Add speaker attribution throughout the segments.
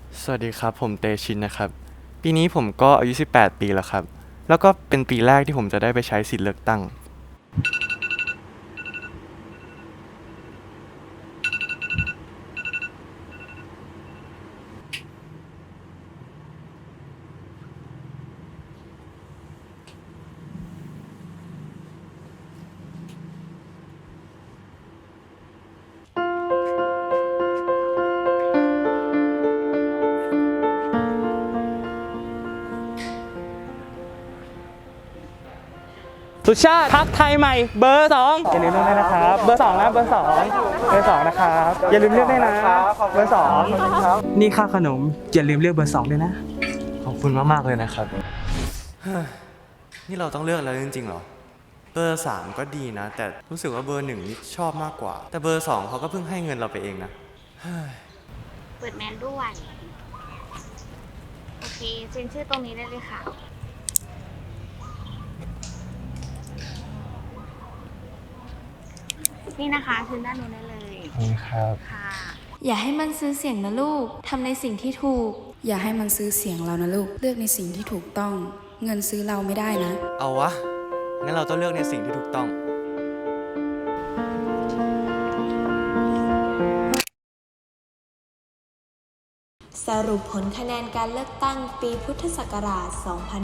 Speaker 1: สวัสดีครับผมเตชินนะครับปีนี้ผมก็อายุ18 ปีแล้วครับแล้วก็เป็นปีแรกที่ผมจะได้ไปใช้สิทธิ์เลือกตั้ง
Speaker 2: สุชาติพักไทยใหม่เบอร์2อย่าลืมเลือกด้วยนะครับเบอร์2นะเบอร์2เบอร์2นะครับอย่าลืมเลือกด้วยนะเบอร์2นี่ค่าขนมอย่าลืมเลือกเบอร์2ด้วยนะ
Speaker 1: ขอบคุณมากๆเลยนะครับนี่เราต้องเลือกแล้วจริงๆเหรอเบอร์3ก็ดีนะแต่รู้สึกว่าเบอร์1นี่ชอบมากกว่าแต่เบอร์2เขาก็เพิ่งให้เงินเราไปเองนะ
Speaker 3: เปิดแมนด้วยโอเคเซ็นชื่อตรงนี้ได้เลยค่ะนี่นะคะคืนด้านนู้นได้เลย
Speaker 1: ครับ
Speaker 3: ค่ะ
Speaker 4: อย่าให้มันซื้อเสียงนะลูก ทำในสิ่งที่ถูก
Speaker 5: อย่าให้มันซื้อเสียงเรานะลูก เลือกในสิ่งที่ถูกต้อง เงินซื้อเราไม่ได้นะ
Speaker 1: เอาวะงั้นเราต้องเลือกในสิ่งที่ถูกต้อง
Speaker 4: สรุปผลคะแนนการเลือกตั้งปีพุทธศักราช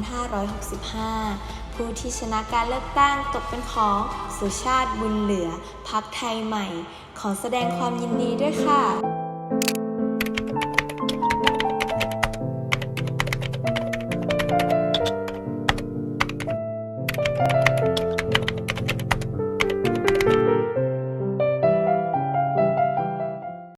Speaker 4: 2565 ผู้ที่ชนะการเลือกตั้งตกเป็นของสุชาติบุญเหลือ พรรคไทยใหม่ ขอแสดงความยินดีด้วยค่ะ